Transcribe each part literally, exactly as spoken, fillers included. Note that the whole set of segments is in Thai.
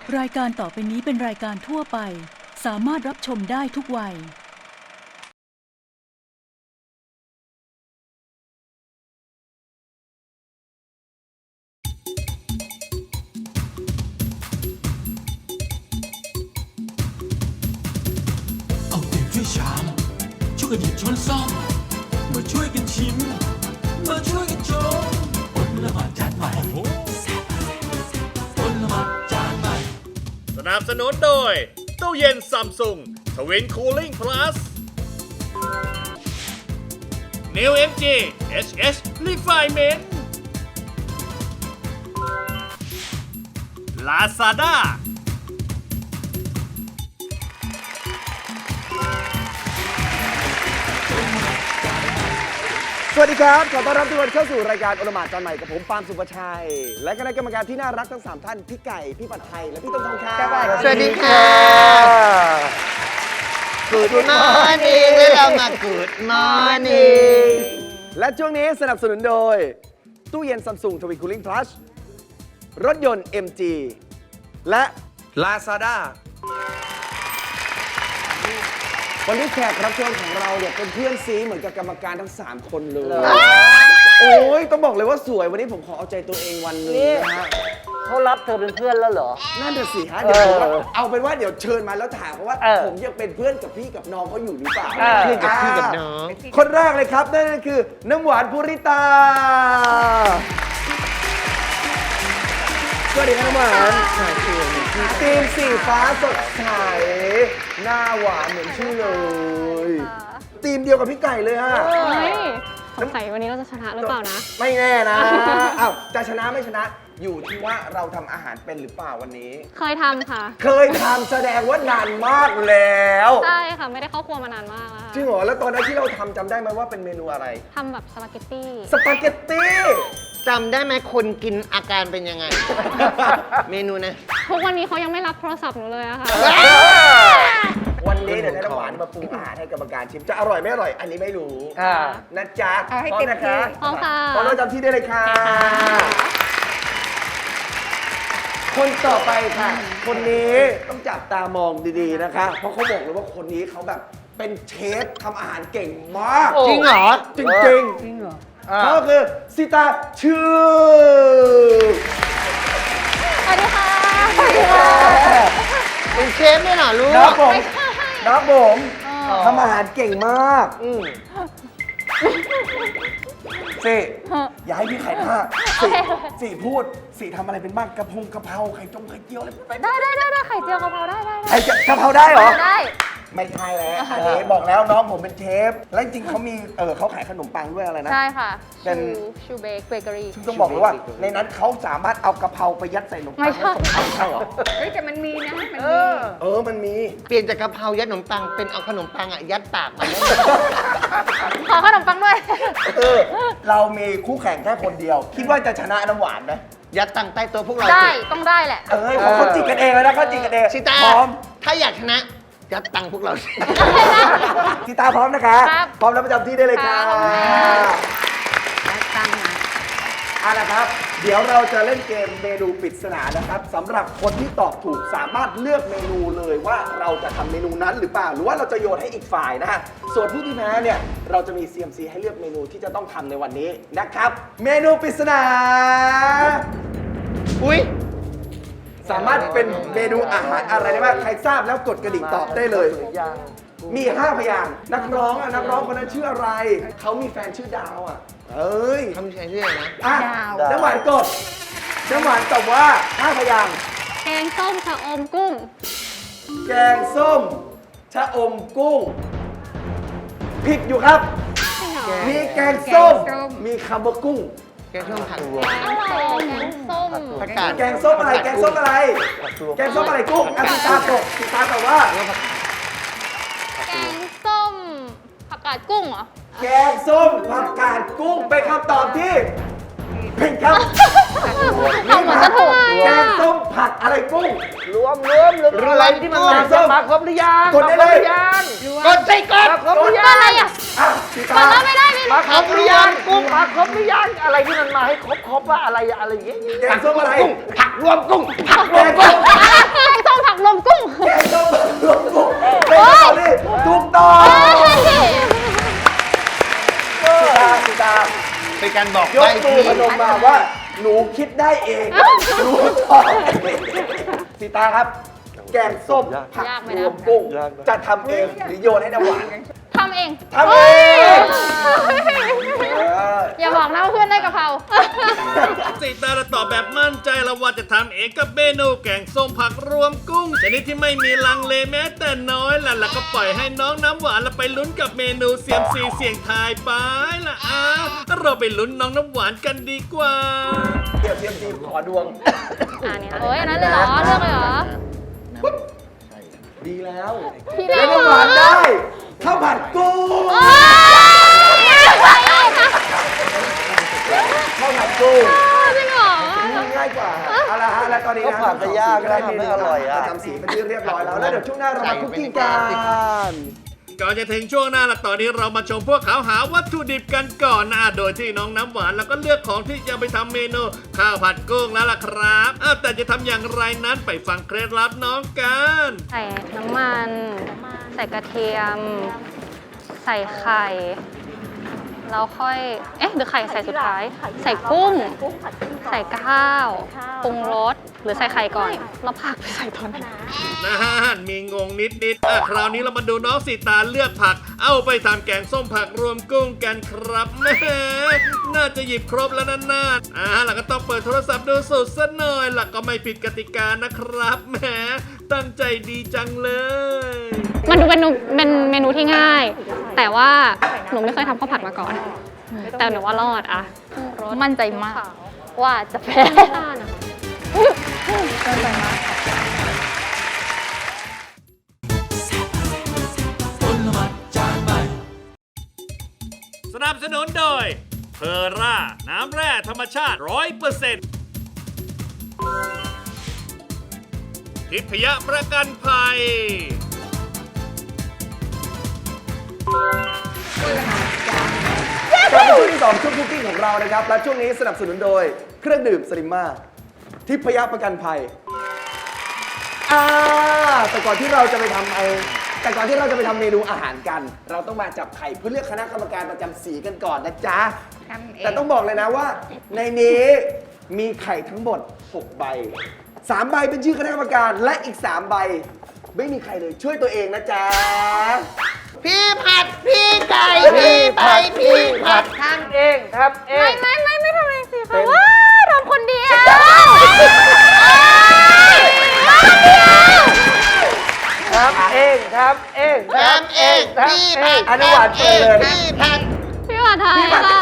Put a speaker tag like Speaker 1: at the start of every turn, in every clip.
Speaker 1: รายการต่อไปนี้เป็นรายการทั่วไปสามารถรับชมได้ทุกวัย
Speaker 2: เอาเปรียบช่วยชามช่วยกันหยิบช้อนซ่อมมาช่วยกันชิมมาช่วยกันชมอดละหมาดจานใหม่อดละหมาดจานใหม่
Speaker 3: สนับสนุนโดยตู้เย็นซัมซุงทวินคูลิ่งพลัส New เอ็ม จี เอช เอช Refinement Lazada
Speaker 4: สวัสดีครับขอต้อนรับทุกคนเข้าสู่รายการโอละหมาดจานใหม่กับผมปาล์มสุภชัยและคณะกรรมการที่น่ารักทั้งสามท่านพี่ไก่พี่ปัดไทยและพี่ต้นทองคำ
Speaker 5: สวัสดีค่ะ Good morning แล้วเรามา Good morning
Speaker 4: และช่วงนี้สนับสนุนโดยตู้เย็น Samsung Twin Cooling Plus รถยนต์ เอ็ม จี และ
Speaker 5: Lazada
Speaker 4: วันนี้แขกรับเชิญของเราเนี่ยเป็นเพื่อนซีเหมือนกับกรรมการทั้งสามคนเลยโอ้ยต้องบอกเลยว่าสวยวันนี้ผมขอเอาใจตัวเองวันหนึงนะฮะ
Speaker 6: เขารับเธอเป็นเพื่อนแล้วเหรอ
Speaker 4: นั่นน่ะสิฮะเดี๋ยวผมว่า
Speaker 6: เออ
Speaker 4: เอาเป็นว่าเดี๋ยวเชิญมาแล้วถามเขาว่า
Speaker 6: เออ
Speaker 4: ผมยังเป็นเพื่อนกับพี่กับน้องเขาอยู่หรือเปล่า
Speaker 6: เออ
Speaker 5: เพื่อนกับพี่กับน้อง
Speaker 4: คนแรกเลยครับนั่นก็คือน้ำหวานภูริตาสวัสดีครับน้ำหวานทีมสีฟ้าสดใสหน้าหวานเหมือนชื่อเลยทีมเดียวกับพี่ไก่เลยฮะ
Speaker 7: เฮ้ยสงสัยวันนี้เราจะชนะหรือเปล่านะ
Speaker 4: ไม่แน่นะอ้าวจะชนะไม่ชนะอยู่ที่ว่าเราทำอาหารเป็นหรือเปล่าวันนี้
Speaker 7: เคยทำค่ะ
Speaker 4: เคยทำแสดงว่านานมากแล้ว
Speaker 7: ใช่ค่ะ ไม่ได้เข้าครัวมานานมากแล้ว
Speaker 4: จริงเหรอแล้วตอนนั้นที่เราทำจำได้ไหมว่าเป็นเมนูอะไร
Speaker 7: ทำแบบสปาเกตตี้
Speaker 4: สปาเกตตี้
Speaker 5: จำได้ไหมคนกินอาการเป็นยังไง เมนูนะ
Speaker 7: ทุกวันนี้เขายังไม่รับโทรศัพท์หนูเลยอะค่ะ
Speaker 4: วันนี้เดี๋ยวให้น้ำหวานมาปรุงอาหารให้กรรมการชิมจะอร่อยไม่อร่อยอันนี้ไม่รู้
Speaker 6: อ่า
Speaker 4: นะจ๊ะ
Speaker 6: เอาให้
Speaker 4: พร้อม
Speaker 6: เต็ม
Speaker 4: นะคะ
Speaker 6: ที่
Speaker 7: พร้อมค่ะ
Speaker 4: พร้อมแล้วจำที่ได้เลยค่ะ คนต่อไปค่ะ คนนี้ต้องจับตามองดีๆนะคะ เพราะเขาบอกเลยว่าคนนี้เขาแบบเป็นเชฟทำอาหารเก่งมาก
Speaker 5: จริงเหรอ
Speaker 4: จริงๆ
Speaker 6: จริงเหรอ
Speaker 4: เขาคือซิตาชื่อ
Speaker 7: สวัสดีค่ะ สวัสดีค่ะ
Speaker 5: เป็นเชฟด้วยเหรอลูก
Speaker 4: น้องผม
Speaker 7: ไม่ใช่
Speaker 4: น้องผมทำอาหารเก่งมากสิอย่าให้พี่ไข่ท่าสิสิพูดสิทำอะไรเป็นบ้างกระพงกระเพราไข่จงไข่เจียวอะไรพูดไป
Speaker 7: ได้ได้ได้ได้ไข่เจียวกะเพราได้ได้
Speaker 4: ไข่กะเพราได้เหรอ
Speaker 7: ได้
Speaker 4: ไม่ใช่แล้วอันนี้บอกแล้วน้องผมเป็นเชฟ และจริงๆเขามีเออเขาขายขนมปังด้วยอะไรนะ
Speaker 7: ใช่ค่ะ
Speaker 4: เป็น
Speaker 7: ชูชูเบกเบเกอรี่
Speaker 4: ซึ่งต้องบอกเลยว่า ในนั้นเขาสามารถเอากะเพราไปยัดใส่ขนมปัง
Speaker 7: ไม่ใช่
Speaker 4: แล้วส่งใช่เหรอ
Speaker 6: เฮ้ยแต่มันมีนะ มันมี
Speaker 4: เออมันมี
Speaker 5: เปลี่ยนจากกะเพรายัดขนมปังเป็นเอาขนมปังอ่ะยัดปากมันได้ไหม
Speaker 7: ขอขนมปังด้วย
Speaker 4: เออเรามีคู่แข่งแค่คนเดียว คิดว่าจะชนะน้ำหวานไหม
Speaker 5: ยัดตังใต้ตัวพวกเรา
Speaker 7: ได้
Speaker 5: สิ
Speaker 7: ต้องได้แหละ
Speaker 4: เออเขาเขาจิกกันเองแล้วนะเขาจิกกันเอง
Speaker 5: ชิตา
Speaker 4: พร้อม
Speaker 5: ถ้าอยากชนะ ยัดตังพวกเราสิ
Speaker 4: ชิตาพร้อมนะคะ
Speaker 7: ครับ
Speaker 4: พร้อมแล้วประจำที่ได้เลยค่ะ
Speaker 7: ครับ
Speaker 6: ตั้งนะ
Speaker 4: เอาละครับ เดี๋ยวเราจะเล่นเกมเมนูปริศนานะครับสำหรับคนที่ตอบถูกสามารถเลือกเมนูเลยว่าเราจะทำเมนูนั้นหรือเปล่าหรือว่าเราจะโยนให้อีกฝ่ายนะฮะส่วนผู้ที่แพ้เนี่ยเราจะมี ซี เอ็ม ซี ให้เลือกเมนูที่จะต้องทำในวันนี้นะครับ เมนูปริศนา
Speaker 5: อุ้ย
Speaker 4: สามารถเป็นเมนูอาหารอะไรได้บ้างใครทราบแล้วกดกระดิ่งตอบได้เลย มีห้าพยางค์นักร้องอ่ะนักร้องคนนั้นชื่ออะไร เขามีแฟนชื่อดาวอ่ะเอ้ย
Speaker 5: ทำใช้เรื่องนะ
Speaker 4: อ่ะ
Speaker 6: ดาว
Speaker 4: น้ำหวานกดน้ำหวานตอบว่าห้าพยางค์
Speaker 7: แกงส้มชะอมกุ้ง
Speaker 4: แกงส้มชะอมกุ้งผิดอยู่ครับ มีแกงส้ม
Speaker 6: แกงส้ม
Speaker 4: มีคำว่ากุ้ง
Speaker 5: แกงส้มผักรวม
Speaker 7: แกงส้มแกงส้ม
Speaker 5: ผักกาด
Speaker 4: แกงส้มอะไร แกงส้มอะไร แกงส้มอะไรกุ้งอ่ะพี่ตาตกพี่ตาตอบว่า
Speaker 7: แกงส้มผักกาดกุ้งเหรอ
Speaker 4: แกงส้มผักกาดกุ้งเป็นคำตอบที่ผิดครับ
Speaker 7: เอาเหมือนจะถูก
Speaker 4: แกงส้มผักอะไรกุ้ง
Speaker 6: รวมรวมรวมอะไรที่มันมาจะมาครบหรือยัง
Speaker 4: กดได้เลย
Speaker 5: กดสิกด
Speaker 6: มาครบหรือ
Speaker 7: ก็
Speaker 6: ยัง
Speaker 7: อะไรอ่ะ
Speaker 4: อ่ะพี่
Speaker 7: ก
Speaker 4: ตา
Speaker 7: ดแล้วไม่ได้ไม่
Speaker 6: มา
Speaker 7: รู้
Speaker 6: ครบหรือยังกุ้งมาครบหรือยังอะไรที่มันมาให้ครบครบว่าอะไรอะไรอย่างเงี้ย
Speaker 4: แกงส้มอะไร
Speaker 5: ผักรวมกุ้งผักร
Speaker 4: แก
Speaker 5: วม
Speaker 4: ง
Speaker 5: กุ้
Speaker 4: ส้
Speaker 5: ง
Speaker 4: ม
Speaker 5: การบอก
Speaker 4: ย
Speaker 5: ใบ
Speaker 4: กมือ
Speaker 5: พี่
Speaker 4: พนมมาว่า หนูคิดได้เองหนูตอบเองสีตาครับ แกงส้มผัก
Speaker 7: ยากไหม
Speaker 4: ร
Speaker 7: นะ
Speaker 4: วมกุ้งจะทำเองหรือโยนให้น้ำหวาน
Speaker 7: ทำเอง
Speaker 4: ทำเอง เออ
Speaker 7: อย่าบอกนะว่าเพื่อนได้กะเพรา
Speaker 3: สีตาตอบแบบมั่นใจแล้วว่าจะทำเองกับเมนูแกงส้มผักรวมกุ้งชนิดที่ไม่มีลังเลแม้แต่น้อยล่ะแล้วก็ปล่อยให้น้องน้ำหวานเราไปลุ้นกับเมนูเสียมซีเสี่ยงทายไปล่ะอ้าวเราไปลุ้นน้องน้ำหวานกันดีกว่า
Speaker 4: เดี๋ยวเตรียมทีมขอดวง
Speaker 7: อ่าเนี่ยเอ้ยอันนั้นเลยเหรอ เลือกเลยเหรอ
Speaker 4: ดีแล้ว
Speaker 7: พี่
Speaker 4: แล้
Speaker 7: เล่
Speaker 4: วน น้ำหวานได้ข้าวผัดกุ้งข้าวผัดกุ้ง
Speaker 7: จริงเหรอ
Speaker 4: ง่ายกว่าเอาละฮะและตอนนี้นะ
Speaker 6: ก็ผัดจะยากนะทำให้อร่อยอะ
Speaker 4: ประจำสีเป็นที่เรียบร้อยแล้วแล้วเดี๋ยวช่วงหน้าเรามาคุกกิ้งกัน
Speaker 3: ก่อนจะถึงช่วงหน้าละตอนนี้เรามาชมพวกเขาหาวัตถุดิบกันก่อนนะโดยที่น้องน้ำหวานแล้วก็เลือกของที่จะไปทำเมนูข้าวผัดกุ้งแล้วล่ะครับอ้าวแต่จะทำอย่างไรนั้นไปฟังเคล็ดลับน้องกัน
Speaker 7: ใส่น้ำมัน ใส่กระเทียม ใส่ไข่ แล้วค่อย เอ๊ะหรือไข่ใส่สุดท้าย ใส่กุ้ง ใส่ข้าว ปรุงรส หรือใส่ไข่ก่อน แล้วผักไปใส่ตอนไหน
Speaker 3: นะฮะมีงงนิดนิดๆอ่ะคราวนี้เรามาดูน้องสีตาเลือกผัก เอาไปทำแกงส้มผักรวมกุ้งกันครับแหม่น่าจะหยิบครบแล้วนะน่าอ่าแล้วก็ต้องเปิดโทรศัพท์ดูสูตรซะหน่อยล่ะก็ไม่ผิดกติกานะครับแหมตั้งใจดีจังเลย
Speaker 7: มันดูเป็นเมนูเป็นเมนูที่ง่าย แต่ว่าหนูไม่เคยทำข้าวผัดมาก่อน แต่หนูว่ารอดอะมั่นใจมาก ว่าจะแพ้มั่นใจมาก
Speaker 3: สนับสนุนโดยเพอร่า น้ำแร่ธรรมชาติ ร้อยเปอร์เซ็นต์ ทิพยประกันภัย
Speaker 4: กลับมาช่วงที่สองช่วงคุกกิ้งของเรานะครับ และช่วงนี้สนับสนุนโดยเครื่องดื่มสลิมมาทิพยประกันภัยอ่าแต่ก่อนที่เราจะไปทำไอแต่ก่อนที่เราจะไปทำเมนูอาหารกัน เราต้องมาจับไข่เพื่อเลือกคณะกรรมการประจำสีกันก่อนนะจ๊ะ แต่ต้องบอกเลยนะว่า ในนี้มีไข่ทั้งหมดหกใบสามใบเป็นชื่อคณะกรรมการและอีกสามใบไม่มีใครเลยช่วยตัวเองนะจ๊ะ
Speaker 5: พี่ผัด พี่ไก่ พี่ไปพี่ผัด
Speaker 6: ทำเองทำเอง
Speaker 7: ไม่ไม่ไม่ไม่ทำเองสิคะว้าทำคนเดียว
Speaker 6: ทำเองทำเอง
Speaker 5: ทำเอง พี่ผัด
Speaker 4: อนุวัฒน์
Speaker 5: ทำเอง
Speaker 4: เปิด
Speaker 5: พี่ผัด
Speaker 7: พี่ว่าไทยค่ะ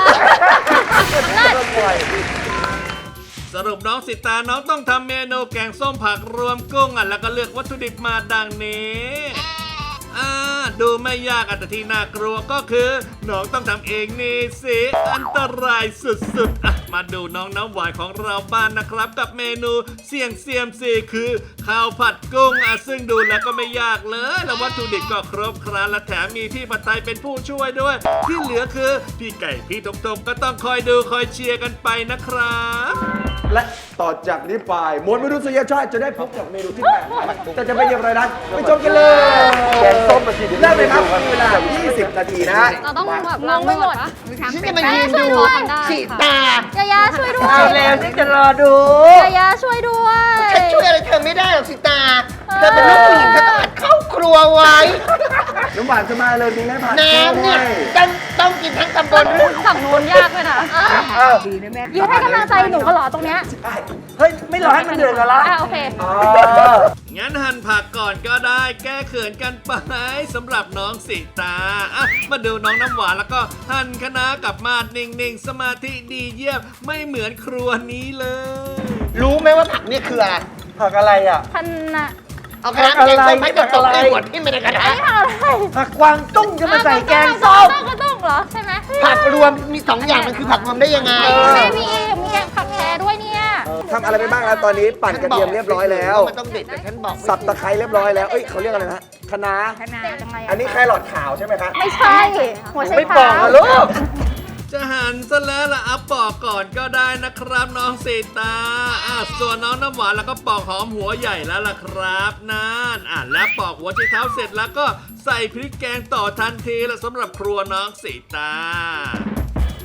Speaker 3: สรุปน้องสิตาน้องต้องทำเมนูแกงส้มผักรวมกุ้งอ่ะแล้วก็เลือกวัตถุดิบมาดังนี้อ่าดูไม่ยากอ่ะแต่ที่น่ากลัวก็คือน้องต้องทำเองนี่สิอันตรายสุดๆอ่ะมาดูน้องน้ำหวานของเราบ้านนะครับ กับเมนูเสี่ยงเซียมซีคือข้าวผัดกุ้งอ่ะซึ่งดูแล้วก็ไม่ยากเลยแล้ววัตถุดิบก็ครบครันและแถมมีพี่ผัดไทยเป็นผู้ช่วยด้วย ที่เหลือคือพี่ไก่พี่ทบๆก็ต้องคอยดูคอยเชียร์กันไปนะครับ
Speaker 4: และต่อจากนี้ไปมวลมนุษยชาติจะได้พบกับเมนูที่แปลกใหม่แต่จะเป็นอย่างไรนั้นไปชมกันเลย
Speaker 6: แกงส้มมาสิเดี๋ยว
Speaker 4: เริ่มเลยครับมีเวลายี่สิบนาทีนะฮะ
Speaker 7: เราต้องแบบมองไม่หมดปะ
Speaker 5: ฉันจะมายืนดู
Speaker 7: ช่วยด้วย
Speaker 5: สีตา
Speaker 7: ยายาช่วยด้วย
Speaker 6: เอาแล้วฉันจะรอดู
Speaker 7: ยายาช่วยด้วย
Speaker 5: ฉันช่วยอะไรเธอไม่ได้หรอกสีตา เธอเป็นลูกผู้หญิงเธอต้องหัดเข้าครัวไว้
Speaker 4: น้ำหวานจะมาเลยมีให้ผ่าน
Speaker 5: น้ำเนี่ยต้องต้องกินทั้งตำบลด้วย
Speaker 7: ฝั่งนู้นยากเลยนะยืนให้กำลังใจหนูก็หรอตรงเนี้ย
Speaker 6: เฮ้ย ไม่รอให้มันเดือดกันละ
Speaker 7: อ่ะโอเค
Speaker 3: งั้นหั่นผักก่อนก็ได้แก้เขินกันไปสำหรับน้องสีตาอ่ะมาดูน้องน้ำหวานแล้วก็หั่นคะน้ากับมาดนิ่งๆ สมาธิดีเยี่ยมไม่เหมือนครัวนี้เลย
Speaker 5: รู้ไหมว่าผักเนี่ยคืออะไร
Speaker 6: ผักอะไรอ่ะ
Speaker 7: ท่านน่ะ
Speaker 5: เอากระดาษแกงส้มให้กระตกในหัวที่ไม่ได้กระดาษ
Speaker 7: ไม่ทำอะไร
Speaker 6: ผักกวางตุ้งจะมาใส่แกงส้ม
Speaker 7: ก็ต้องเหรอใช่ไหม
Speaker 5: ผักรวมมีสองอย่างมันคือผักรวมได้ยังไง
Speaker 7: แม่มีมีผักแครด้วยเนี่ย
Speaker 4: ทำอะไรไปบ้างแล้วตอนนี้ปั่นกระเทียมเรียบร้อยแล้ว
Speaker 5: มันต้องเด็ดแต่ฉันบอกไม่
Speaker 4: สับตะไคร้เรียบร้อยแล้วเอ้ยเขาเรียกอะไรนะคะน้า
Speaker 7: ขนาดยังไง
Speaker 4: อันนี้แครอทขาวใช่ไหมคะ
Speaker 7: ไม่ใช่หัวไช
Speaker 6: ไม่บ
Speaker 7: เท้า
Speaker 6: อกอะลูก
Speaker 3: จะหั่นซะแล้วล่ะอัปปอกก่อนก็ได้นะครับน้องสีตาอ่ะส่วนน้องน้ำหวานแล้วก็ปอกหอมหัวใหญ่แล้วล่ะครับนั่นอ่ะและปอกหัวไชเท้าเสร็จแล้วก็ใส่พริกแกงต่อทันทีละสำหรับครัวน้องสีตา
Speaker 4: แก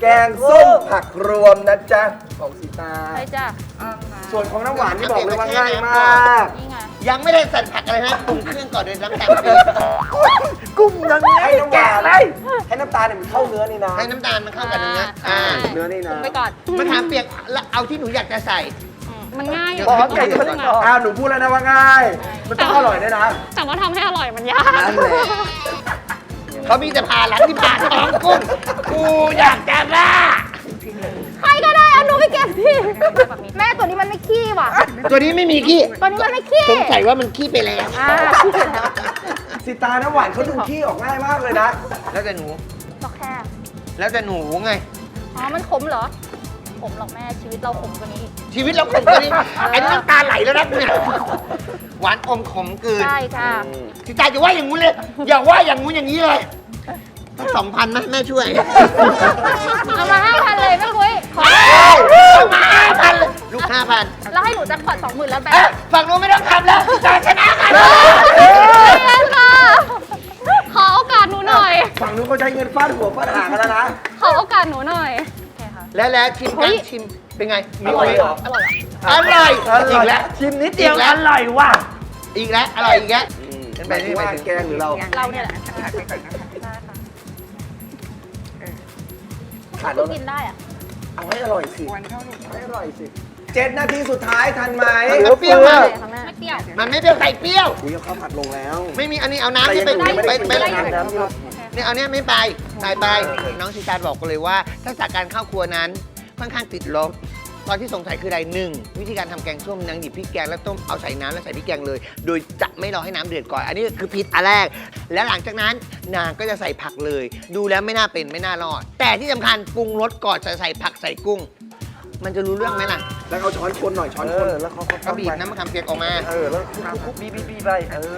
Speaker 4: แกงส้มผักรวมนะจ๊ะของสีตา
Speaker 7: ใช่จ้ะ
Speaker 4: ส่วนของน้ำหวานที่บอกเลยว่าง่ายมาก
Speaker 7: นี่ไง
Speaker 5: ยังไม่ได้ใส่ผักอะไรนะปรุงเครื่องก่อนเลยน้ำตาลปี๊บ
Speaker 4: กุ้งยังไงให้น้ำหวานเลยให้น้ำตาลเนี่ยมันเข้าเนื้อนี่นะ
Speaker 5: ให้น้ำตาลมันเข้ากันเนื้ออ่า
Speaker 4: เนื้อนี่นะ
Speaker 7: ไปก่อน
Speaker 5: มะขามเปียกแล้วเอาที่หนูอยากจะใส่
Speaker 7: อืมมันง่ายอยู่
Speaker 4: บอกว่าไก่มันอ้าวหนูพูดแล้วนะว่าง่าย มันต้องอร่อยด้วยนะ
Speaker 7: แต่ว่าทำให้อร่อยมันยาก
Speaker 4: นั่นแหละ
Speaker 5: เขามีแต่ผ่าหลังที่ผ่าท้องกุ้งกูอยากจะบ้า
Speaker 7: ใครก็ได้เอาหนูไปเก็บที่แม่ตัวนี้มันไม่ขี้ว่ะ
Speaker 5: ตัวนี้ไม่มีขี้
Speaker 7: ตัวนี้มันไม่ขี้
Speaker 5: สงสัยว่ามันขี้ไปแล้ว
Speaker 7: อ่าขี้ไปแล้ว
Speaker 4: สีตาน้ำหวานเขาดูขี้ออกง่ายมากเลยนะ
Speaker 5: แล้วแต่หนู
Speaker 7: ก็แค่
Speaker 5: แล้วแต่หนูไง
Speaker 7: อ๋อ มันขมเหรอ ขมหรอกแม่ ชีวิตเราขมกว่านี้อีก
Speaker 5: ชีวิตเราขมกว่านี้ไอ้น้ำตาไหลแล้วนะเนี่ยหวานอมขมเกิน
Speaker 7: ใช่ค่ะ
Speaker 5: สิตาอย่าว่าอย่างงู้นเลย อย่าว่าอย่างงู้นอย่างนี้เลยต้องสองพันไหมแม่ช่วย
Speaker 7: เอามาห้าพันเลยแม่คุยขอ
Speaker 5: เอามาห้าพันเลยลูกห้าพัน
Speaker 7: แล้วให้หนูจักพอตสองหมื่นแล้วแบ
Speaker 5: เอ๊ะ
Speaker 7: บ
Speaker 5: ฝั่งนู้นไม่ต้องทำแล้วสิตาชนะกัน
Speaker 7: เล่นค่ะ ขอโอกาสหนูหน่อย
Speaker 4: ฝั่งนู้นเขาใช้เงินฟาดหัวฟาดหางกันแล้วนะ
Speaker 7: ขอโอกาสหนูหน่อยโอเคค่ะ
Speaker 5: แล้วแล้วชิม
Speaker 7: เฮ้
Speaker 5: กัน
Speaker 7: ย
Speaker 5: ชิมเป็นไง
Speaker 4: อร่อยเหรอ
Speaker 7: อร่อยอ่ะ
Speaker 5: อร่อยอีกแล้ว
Speaker 6: ชิมนิดเดียว
Speaker 5: อีกแล้ว
Speaker 6: อร่อยว่ะ
Speaker 5: อีกแล้วอร่อยอีกแล้ว
Speaker 4: หมายถึงว่าแกงหรือเรา
Speaker 7: เราเนี่ยแหละ
Speaker 4: ขาด
Speaker 7: ก็
Speaker 4: แล้ว
Speaker 7: กินได้อ่ะ
Speaker 4: เอาให้อร่อยสิให้อร่อยสิเจ็ดนาทีสุดท้ายทันไหม
Speaker 5: มันเปรี้ยวมาก
Speaker 7: ไม่เปรี้ยว
Speaker 5: มันไม่เปรี้ยวใส่เปรี้ยว
Speaker 4: อุ้ยเอาข้าวผัดลงแล้ว
Speaker 5: ไม่มีอันนี้เอาน้ำนี่ไป
Speaker 4: แต่ยัง
Speaker 5: ไป
Speaker 4: ไม่
Speaker 5: ไป
Speaker 4: ได้
Speaker 5: ไป
Speaker 4: ไม่ได้น้ำที่เรา
Speaker 5: เนี่ยเอาเนี้ยไม่ไปใส่ไป น้องชิตาบอกกันเลยว่าทักษะการเข้าครัวนั้นค่อนข้างติดลบ ตอนที่สงสัยคืออะไรหนึ่งวิธีการทำแกงส้มนางหยิบพริกแกงแล้วต้มเอาใส่น้ำแล้วใส่พริกแกงเลย โดยจะไม่รอให้น้ำเดือดก่อน อันนี้คือผิดอันแรก และหลังจากนั้นนางก็จะใส่ผักเลย ดูแล้วไม่น่าเป็นไม่น่ารอด แต่ที่สำคัญปรุงรสก่อนจะใส่ผักใส่กุ้ง มันจะรู้เรื่องไหมล่ะ
Speaker 4: แล้วเอาช้อนคนหน่อยช้อนคน
Speaker 6: แล้วเขา
Speaker 5: ก็บีบน้ำมะขามเปียกออกมา
Speaker 6: เออ แล้วคุกบีบีบีไป เออ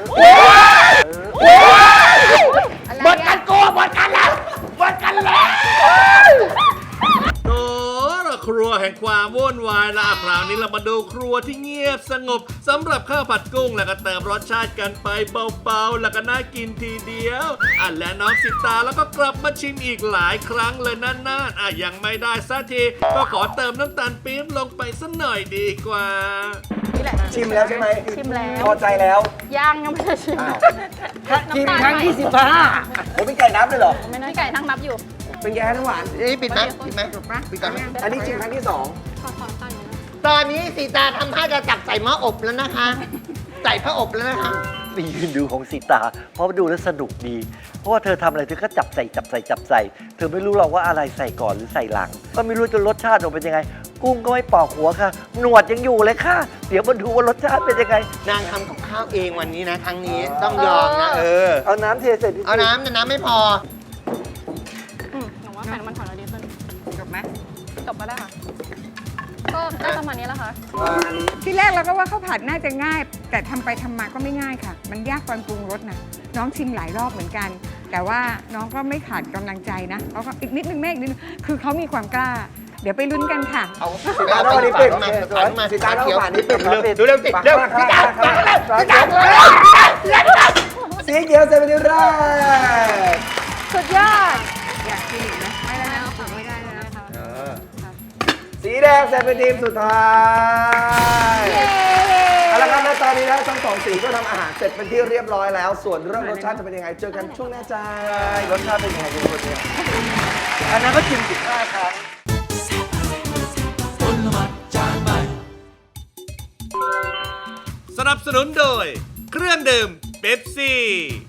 Speaker 5: หมดกันโกหมดกันแล้วหมดกันแล้ว
Speaker 3: โอ้ละครัวแห่งความวุ่นวายละคราวนี้เรามาดูครัวที่เงียบสงบสำหรับข้าวผัดกุ้งแล้วก็เติมรสชาติกันไปเบาๆแล้วก็น่ากินทีเดียวอ่ะและน้องสิตาแล้วก็กลับมาชิมอีกหลายครั้งเลยนั่นๆอ่ะยังไม่ได้สักทีก็ขอเติมน้ำตาลปี๊บลงไปสักหน่อยดีกว่า
Speaker 7: นี่แหละ
Speaker 4: ชิมแล้วใช่ไหม
Speaker 7: ชิมแล้ว
Speaker 4: พอใจแล้ว
Speaker 7: ย่างยังไม่ได้ชิม
Speaker 6: ชิมครั้งที่สิบห้า
Speaker 4: ผมเป็นไก่น้ำเลยเหรอ
Speaker 7: ไม่น้อยไก่นั่งนับอยู่
Speaker 4: เป็นแกงน้ำหวาน
Speaker 5: นี่ปิดไหมปิดไหมปิดก่อนไหม
Speaker 4: อันนี้ชิมครั้งที่สอง
Speaker 5: ตอนนี้สีตาทำท่าจะจับใส่หม้ออบแล้วนะคะ ใส่ผ้าอบแล้วนะคะ
Speaker 6: ไปยืนดูของสีตา เพราะดูแล้วสนุกดี เพราะว่าเธอทำอะไรเธอก็จับใส่จับใส่จับใส่ เธอไม่รู้หรอกว่าอะไรใส่ก่อนหรือใส่หลัง ก็ไม่รู้จะรสชาติออกเป็นยังไง กุ้งก็ไม่ปอกหัวค่ะ หนวดยังอยู่เลยค่ะ เดี๋ยวมาดูว่ารสชาติเป็นยังไง
Speaker 5: นางทำกับข้าวเองวันนี้นะครั้งนี้ต้องยอมนะเออ
Speaker 6: เอาน้ำเทใส่ดิ
Speaker 5: เอาน้ำแต่น้ำไม่พอ
Speaker 7: อืมหนูว่าใส่น้ำมันหอยเราดีขึ้นจบไหมจบก็ได้ค่ะ ก็ได้ประมาณนี้แล้วค่ะ
Speaker 8: ที่แรกเราก็ว่าข้าวผัดน่าจะง่าย แต่ทำไปทำมาก็ไม่ง่ายค่ะ มันยากตอนปรุงรสนะน้องชิมหลายรอบเหมือนกัน แต่ว่าน้องก็ไม่ขาดกำลังใจนะเขาก็อีกนิดนึงแม่อีกนิดนึงคือเขามีความกล้า เดี๋ยวไปลุ้นกันค่ะ
Speaker 5: เอาสีตาเอาไปฝานมาฝานมา
Speaker 4: สีตาเอา
Speaker 5: เขียว
Speaker 4: ฝานนี้ปิด
Speaker 5: เร็วเร็วเร็วสิเร็วสีตาฝานเร็วสีตา
Speaker 4: สีเขียวเซเว่นแรก
Speaker 7: สุดยอด
Speaker 8: อยากกินอีกไหมไม่ได้แล้วค่ะไม่ได้แล้ว
Speaker 4: สีแดงเซเว่นทีมสุดท้ายเอาละครับและตอนนี้นะทั้งสองสีก็ทำอาหารเสร็จเป็นที่เรียบร้อยแล้ว ส่วนเรื่องรสชาติจะเป็นยังไง เจอกันช่วงหน้าจ้าร
Speaker 6: สชาติเป็นยังไงเป็นคนเนี้ยอันนั้นก็ชิมสิบห้าครั้ง
Speaker 2: ผลไม้จานใหม่
Speaker 3: สนับสนุนโดย เครื่องดื่มเป๊ปซี่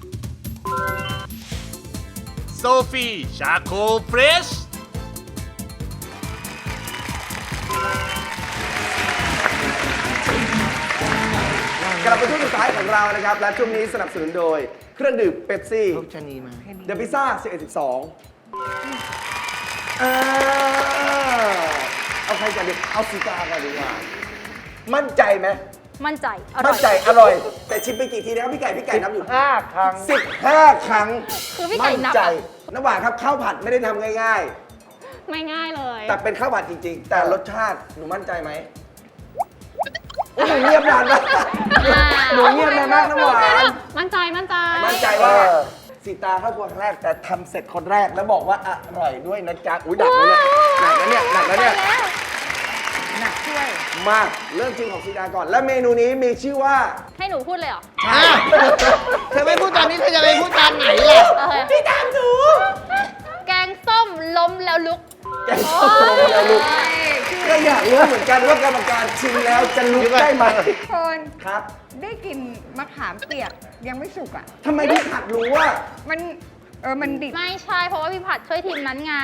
Speaker 3: โซฟีชาโคเฟรช
Speaker 4: กลับมาช่วงสุดท้ายของเรานะครับ และช่วงนี้สนับสนุนโดยเครื่องดื่มเป๊ปซี่
Speaker 5: ลูกชะนีมา
Speaker 4: เดอะพิซซ่าสิบเอ็ด สิบสองเอาใครก่อนดีเอาสีกาก่อนดีกว่า มั่นใจไหม
Speaker 7: มั่นใจ อร่
Speaker 4: มั่
Speaker 7: อน ย
Speaker 4: ใจอร่อย แต่ชิมไปกี่ทีนะครับพี่ไก่พี่ไก่นับอยู่
Speaker 6: ห้าครั้ง
Speaker 4: สิบห้าครั้ง
Speaker 7: คือพี่ไก่
Speaker 4: มั่น
Speaker 7: นับ
Speaker 4: ใจ
Speaker 7: อะ
Speaker 4: น้ำหวานครับข้าวผัดไม่ได้ทำง่าย
Speaker 7: ไม่ง่ายเลย
Speaker 4: ๆ แต่เป็นข้าวผัดจริงๆ แต่รสชาติหนูมั่นใจไหมโอ้ยหนูเงียบนานมากหนูเงียบนานมากน้ำหวาน
Speaker 7: มั่นใจ มั่นใจ
Speaker 4: มั่นใจว่าสิตาเข้าครัวครั้งแรกแต่ทำเสร็จคนแรกแล้วบอกว่าอร่อยด้วยนะจ๊ะอุ้ยหนักนะเนี่ยหนักนะเนี่ยหนักนะเนี่ย
Speaker 8: หนักช่วย
Speaker 4: มาเริ่มชิมของสิตาก่อน และเมนูนี้มีชื่อว่า
Speaker 7: ให้หนูพูดเลยเหรอ
Speaker 5: อ่ะเธอไม่พูดตอนนี้เธอจะไปพูดตอนไหนล่ะ
Speaker 7: โอเค
Speaker 4: พี่ตามหนู
Speaker 7: แกงส้มล้มแล้วลุก
Speaker 4: แกงส้มลงแล้วลุกก็อยากรู้เหมือนกันว่ากรรมการชิมแล้วจะลุกได้ไหม
Speaker 8: คน
Speaker 4: ครับ
Speaker 8: ได้กลินมะขามเปียกยังไม่สุกอ่ะ
Speaker 4: ทำไมพี่ผัดรู้ว่า
Speaker 8: มันเออมันดิบ
Speaker 7: ไม่ใช่เพราะว่าพี่ผัดช่วยทีมนั้นไง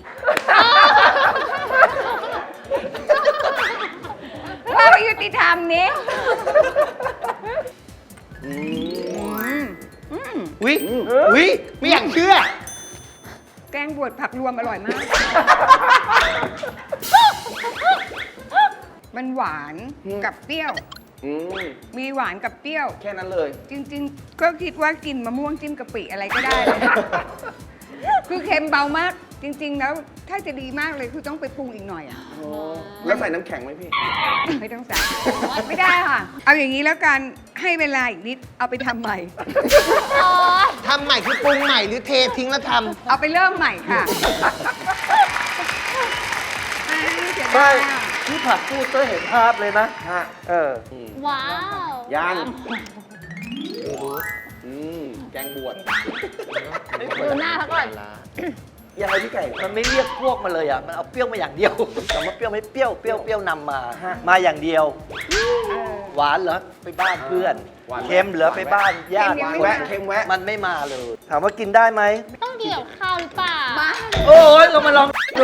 Speaker 8: ว่าไม่ยุติธรรมนี้อืมอืม
Speaker 5: วิวิไม่อยากเชื่อ
Speaker 8: แกงบวชผักรวมอร่อยมาก มันหวานกับเปรี้ยว
Speaker 4: อืม
Speaker 8: มีหวานกับเปรี้ยว
Speaker 4: แค่นั้นเลย
Speaker 8: จริงๆ ก็คิดว่ากินมะม่วงจิ้มกะปิอะไรก็ได้เลย คือเค็มเบามาก จริง ๆ แล้วถ้าจะดีมากเลยคือต้องไปปรุงอีกหน่อยอ่ะ
Speaker 4: แล้วใส่น้ำแข็งไหมพี่
Speaker 8: ไม่ต้องใส่ ไม่ได้ค่ะ เอาอย่างนี้แล้วกันให้เวลาอีกนิด เอาไปทำใหม่
Speaker 5: ทำใหม่คือปรุงใหม่หรือเททิ้งแล้วท
Speaker 8: เอาไปเริ่มใหม่ค่ะอ่าเสีย
Speaker 6: ไม่
Speaker 8: ดายอ่ะ
Speaker 6: ที่ผัดพูดก็เห็นภาพเลยนะ
Speaker 4: ฮะ
Speaker 6: เออ
Speaker 7: ว้าว
Speaker 4: ยังอืมแกงบวช
Speaker 7: ดูหน้าเขาก่อน
Speaker 4: ยังไงพี่ไก่
Speaker 6: มันไม่เรียกพวกมาเลยอ่ะ มันเอาเปรี้ยวมาอย่างเดียว แต่ว่าเปรี้ยวไม่เปรี้ยว เปรี้ยวเปรี้ยวนำมา
Speaker 4: ฮะ
Speaker 6: มาอย่างเดียว
Speaker 8: เออ
Speaker 6: หวานเหรอไปบ้านเพื่อน
Speaker 4: หวาน
Speaker 6: เค็มเหรอไปบ้านญาติ
Speaker 8: เค็มยังไม่
Speaker 4: แวะเค็มแวะ
Speaker 6: มันไม่มาเลย ถามว่ากินได้ไหม
Speaker 7: ต้องกินกับข้าวหรือเปล่า
Speaker 8: มา
Speaker 6: โอ้ยเรามาลองดู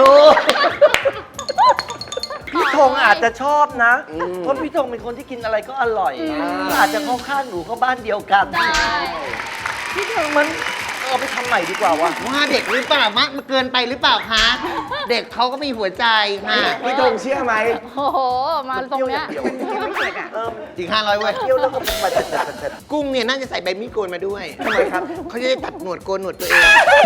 Speaker 6: พี่ธงอาจจะชอบนะ
Speaker 4: อืม
Speaker 6: เพราะพี่ธงเป็นคนที่กินอะไรก็อร่อย
Speaker 4: อืม
Speaker 6: อาจจะเข้าข้างหนูเข้าบ้านเดียวกัน
Speaker 7: ได้
Speaker 6: พี่ธงมันเอาไปทำใหม่ดีกว่าวะ
Speaker 5: ำว่าเด็กหรือเปล่ามากเกินไปหรือเปล่าคะ เด็กเขาก็มีหัวใจค่ะ
Speaker 4: พี่ธงเชื่อไหม
Speaker 7: โอ้โห มาตรงเนี้ย
Speaker 8: ยังไม่เสร็จอ่ะ
Speaker 6: เออ
Speaker 5: จริงห้าร้อยเว้ย
Speaker 6: เที่ยวแล้วก็เป็นมาเสร็จ
Speaker 5: กุ้งเนี่ยน่าจะใส่ใบมีดโกนมาด้วย
Speaker 4: ทำไมครับ
Speaker 5: เขาจะได้ตัดหนวดโกนหนวดตัวเอง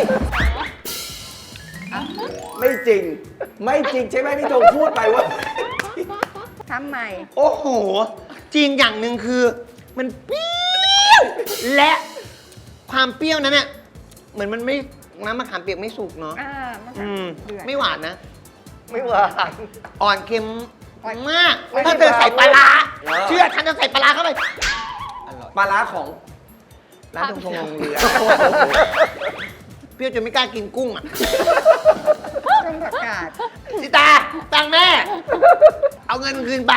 Speaker 4: ไม่จริง ไม่จริงใช่ไหมพี่ธงพูดไปว่า
Speaker 8: ทำใหม่
Speaker 5: โอ้โห จริงอย่างหนึ่งคือ มันเปรี้ยว และความเปรี้ยวนั้นเนี่ยเหมือนมันไม่น้ำมะขามเปียกไม่สุกเนาะ
Speaker 8: อ่ามัน
Speaker 5: อืม
Speaker 8: เดือด
Speaker 5: ไม่หวานนะ
Speaker 6: ไม่หวาน
Speaker 5: อ่อนเค็ม
Speaker 8: อ่อน
Speaker 5: มาก
Speaker 6: ไม่
Speaker 5: ถ้าเธอใส่ปลาร้า
Speaker 6: เออ
Speaker 5: เชื่อฉันจะใส่ปลาร้าเข้าไป
Speaker 4: ปลาร้าของ
Speaker 5: ร้านตรงทงลงเรือ เปรี้ยวจนไม่กล้ากินกุ้งอ่ะ
Speaker 8: ต้มผักกาด
Speaker 5: สิตา ตังค์แม่ เอาเงินคืนไป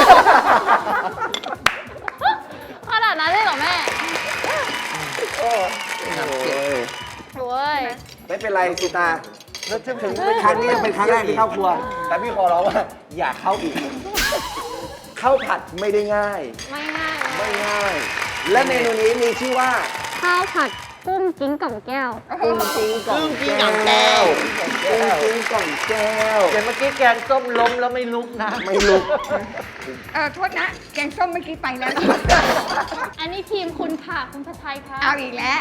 Speaker 7: ขนาดนั้นเลยเหรอแม่
Speaker 4: โอ้ย
Speaker 7: โอ้ย
Speaker 4: ไม่เป็นไรสิตา
Speaker 6: แล้วถึงถึง
Speaker 4: ครั้งนี้เป็นครั้งแรกที่เข้าครัว แต่พี่ขอร้องว่า อย่าเข้าอีก ข้าวผัดไม่ได้ง่าย
Speaker 7: ไม่ง่าย
Speaker 4: ไม่ง่าย และเมนูนี้มีชื่อว่า
Speaker 7: ข้าวผัดกุ้งกิ้งก่องแก้ว
Speaker 4: กุ้งกิ้งกล่อง
Speaker 5: กุ้งกิ้งกล่องแก้ว
Speaker 4: กุ้งกิ้งกล่องแก้ว
Speaker 6: เดี๋ยวเมื่อกี้แกงส้มล้มแล้วไม่ลุกนะ
Speaker 4: ไม่ลุก
Speaker 8: เออโทษนะ แกงส้มเมื่อกี้ไปแล้ว
Speaker 7: อันนี้ทีมคุณค่ะ คุณพัชชัยค่ะ
Speaker 8: เอาอีกแล้ว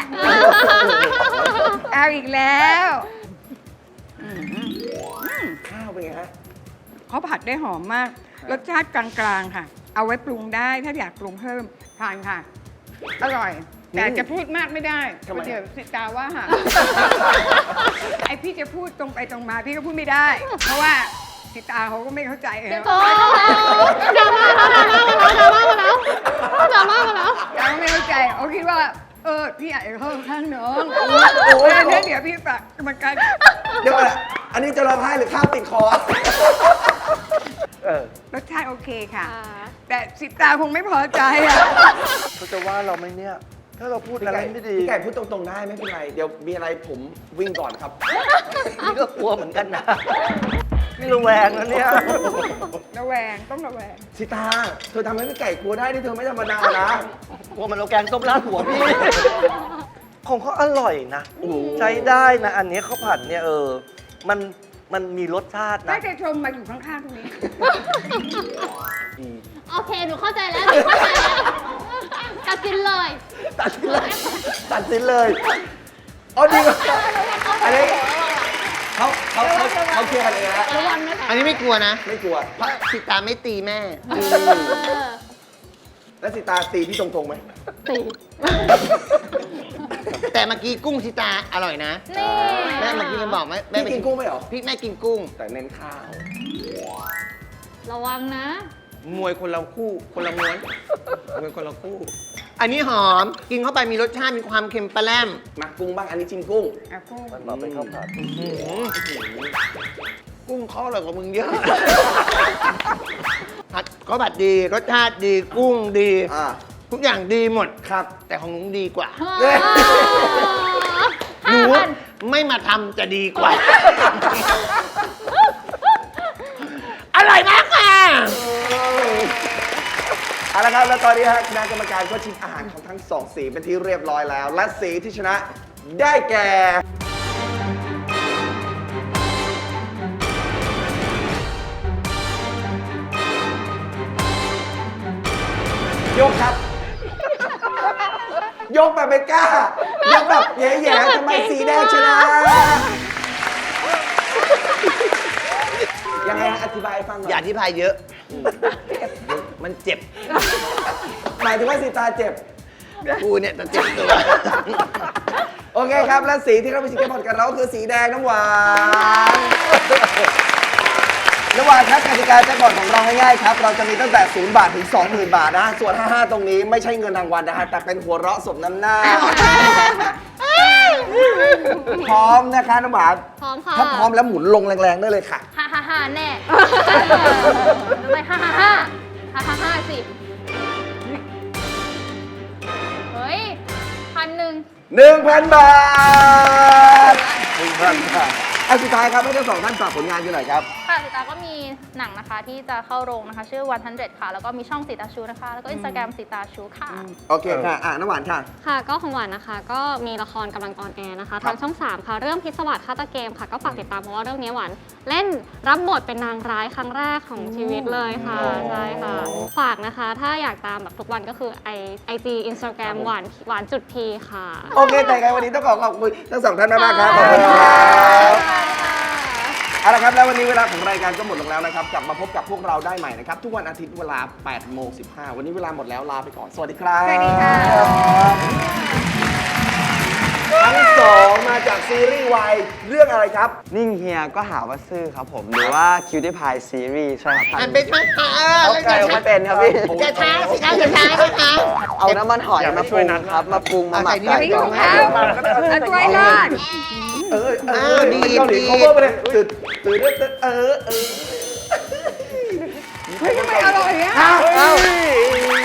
Speaker 8: เอาอีกแล้ว
Speaker 4: ข้าวเป็นไงฮะ
Speaker 8: เขาผัดได้หอมมาก รสชาติกลางๆค่ะ เอาไว้ปรุงได้ถ้าอยากปรุงเพิ่มทานค่ะ อร่อย แต่จะพูดมากไม่ได้
Speaker 4: ทำไม
Speaker 8: เดี๋ยวสิตาว่าค่ะ ไอพี่จะพูดตรงไปตรงมาพี่ก็พูดไม่ได้ เพราะว่าสิตาเขาก็ไม่เข้าใจเออ
Speaker 7: โอ้ดราม่าแล้วดราม่ามาแล้วดราม่ามาแล้ว
Speaker 8: ตาก็ไม่เข้าใจเขาคิดว่า เออพี่อยากจะเข้าข้างน้อง
Speaker 4: โอ้ย
Speaker 8: เออเนี่ยเดี๋ยวพี่ฝากกรรมการ
Speaker 4: เดี๋ยวก่อนนะอันนี้จะร้องไห้หรือข้าวติดคอ
Speaker 6: เออ
Speaker 8: รสชาติโอเคค่ะ แต่สิตาคงไม่พอใจอ่ะ
Speaker 6: เขาจะว่าเราไหมเนี่ย ถ้าเราพูด
Speaker 4: พี่
Speaker 6: อะไร
Speaker 4: ไก่
Speaker 6: ไม่ดี
Speaker 4: พี่ไก่พูดตรงๆได้ไม่เป็นไร เดี๋ยวมีอะไรผมวิ่งก่อนครับ
Speaker 6: นี่ก็กลัวเหมือนกันนะนี่ระแวงนะเนี่ย
Speaker 8: ระแวงต้องระแวง
Speaker 4: สิตา เธอทำให้พี่ไก่กลัวได้ที่เธอไม่ธรรมดานะ
Speaker 6: กลัวมันเอาแกงส้มราดหัวพี่ ของเขาอร่อยนะ ใช้ได้นะ อันนี้ข้าวผัดเนี่ยเออ มันมันมีรสชาติ
Speaker 8: น่า
Speaker 6: นะ
Speaker 8: จะชมมาอยู่ข้างๆตรงนี้
Speaker 7: โอเค หนูเข้าใจแล้ว หนูเข้าใจแล้วตัดสินเลย
Speaker 4: ตัดสินเลย ตัดสินเลยอ๋อดีกว่าอันนี้เขาเขาเขาเขาเคลียร์กันเองแล้ว
Speaker 7: ระวังนะ
Speaker 5: อันนี้ไม่กลัวนะ
Speaker 4: ไม่กลัว
Speaker 5: เพราะสิตาไม่ตีแม่
Speaker 4: แล้วสิตาตีพี่ตรงๆไหม
Speaker 7: ตี
Speaker 5: แต่เมื่อกี้กุ้งชิตาอร่อยนะ
Speaker 7: นี่
Speaker 5: แม่เมื่อกี้มันบอกไหมแม่
Speaker 4: พี่กินกุ้งไหมเหรอ
Speaker 5: พี่แม่กินกุ้ง
Speaker 4: แต่เน้นข้าว
Speaker 7: ระวังนะ
Speaker 5: มวยคนละคู่ คนละม้วนมวยคนละคู่ อันนี้หอม กินเข้าไปมีรสชาติ มีความเค็มปลาแรม
Speaker 4: มากุ้งบ้าง อันนี้จิ้มกุ้ง
Speaker 8: เอากุ้ง
Speaker 6: มันมาเป็นข้าวผัด
Speaker 5: อื้อหือกุ้งเขาอร่อยกว่ามึงเยอะ ผัดก็ผัดดี รสชาติดี กุ้งดี
Speaker 4: อ่า
Speaker 5: ทุกอย่างดีหมด
Speaker 4: ครับ
Speaker 5: แต่ของหนูดีกว่า
Speaker 4: เย้
Speaker 5: หนูไม่มาทำจะดีกว่า อร่อยมากค่ะ
Speaker 4: เอาละครับ แล้วตอนนี้ฮะคณะกรรมการก็ชิมอาหารของทั้งสองสีเป็นที่เรียบร้อยแล้ว และสีที่ชนะได้แก่ ยกครับ ยกแบบไม่กล้า ยกแบบแย่ๆทำไมสีแดงชนะ ยังไงฮะอธิบายให้ฟังหน่อย
Speaker 5: อย่าอธิบายเยอะ มันเจ็บ
Speaker 4: หมายถึงว่าสีตาเจ็บ
Speaker 5: กูเนี่ยจะเจ็บตัว
Speaker 4: โอเคครับ และสีที่เราไปชิงเกมพอดกันเราคือสีแดงน้ำหวาน น้ำหวานครับกติกาแจ็คพอตของเราง่ายๆครับ เราจะมีตั้งแต่ศูนย์บาทถึง สองหมื่น บาทนะ ส่วน ห้าห้า ตรงนี้ไม่ใช่เงินรางวัลนะฮะ แต่เป็นหัวเราะสมน้ำหน้า พร้อมนะคะน้ำหวาน
Speaker 7: พร้อมค่ะ
Speaker 4: ถ้าพร้อมแล้วหมุนลงแรงๆได้เลยค่ะ
Speaker 7: ฮ่าฮ่าฮ่าแน่ทำไมฮ่าฮ่าฮ่าฮ่าฮ่าฮ่าสิ เฮ้ยพันหนึ่ง
Speaker 4: หนึ่งพัน บาท หนึ่งพัน บาทอันสุดท้ายครับให้ทั้งสองท่านฝากผลงานกันหน่อยครับ
Speaker 7: ค่ะสิตาก็มีหนังนะคะที่จะเข้าโรงนะคะ ชื่อวันทันเดค่ะ แล้วก็มีช่องสิตาชูนะคะ แล้วก็อินสตาแกรมสิตาชูค่ะ
Speaker 4: โอเคค่ะ อ่ะน้ำหวานค่ะ
Speaker 7: ค่ะก็ของหวานนะคะ ก็มีละครกำลังออนแอร์นะคะทางช่อง สาม ค่ะ เรื่องพิศวาสฆาตเกมค่ะ ก็ฝากติดตามเพราะว่าเรื่องนี้หวานเล่นรับบทเป็นนางร้ายครั้งแรกของชีวิตเลยค่ะใช่ค่ะ ฝากนะคะ ถ้าอยากตามแบบทุกวันก็คือไอไอจีอินสตาแกรมหวานหวานจุดพีค่ะ
Speaker 4: โอเค แต่ไงวันนี้ต้องขอขอบคุณทั้งสองท่านมากๆครับ ขอบคุณครับเอาละครับ แล้ววันนี้เวลาของรายการก็หมดลงแล้วนะครับ กลับมาพบกับพวกเราได้ใหม่นะครับ ทุกวันอาทิตย์เวลา แปดโมงสิบห้า วันนี้เวลาหมดแล้วลาไปก่อน สวัสดีครับ
Speaker 8: สวัสดีค่ะ
Speaker 4: ทั้งสองมาจากซีรีส์วายเรื่องอะไรครับ
Speaker 9: นิ่งเฮียก็หาว่าซื่อครับผม หรือว่าคิวตี้พายซีรีส์ใช่ครับ
Speaker 5: อันเป็นช้าช้า
Speaker 9: เขาไก่ไม่เป็นครับพี่
Speaker 5: จะช้าสิคะจะช้าสิคะ
Speaker 9: เอาน้ำมันหอยมาปรุงครับ มาปรุงมาหมัก
Speaker 5: ใส่
Speaker 9: ไก่
Speaker 5: นี่
Speaker 8: ถุงเท้าเอาถ้วยรอด
Speaker 4: เออเอ
Speaker 5: อ่า
Speaker 4: อ
Speaker 5: ดี
Speaker 4: เกาหลี
Speaker 5: ดี
Speaker 4: เขาเพิ่มไปเลยตื่นตื่นตื่นเออเออ
Speaker 8: เฮ้ยทำไมอร่อยอ่ะ
Speaker 4: เอ้า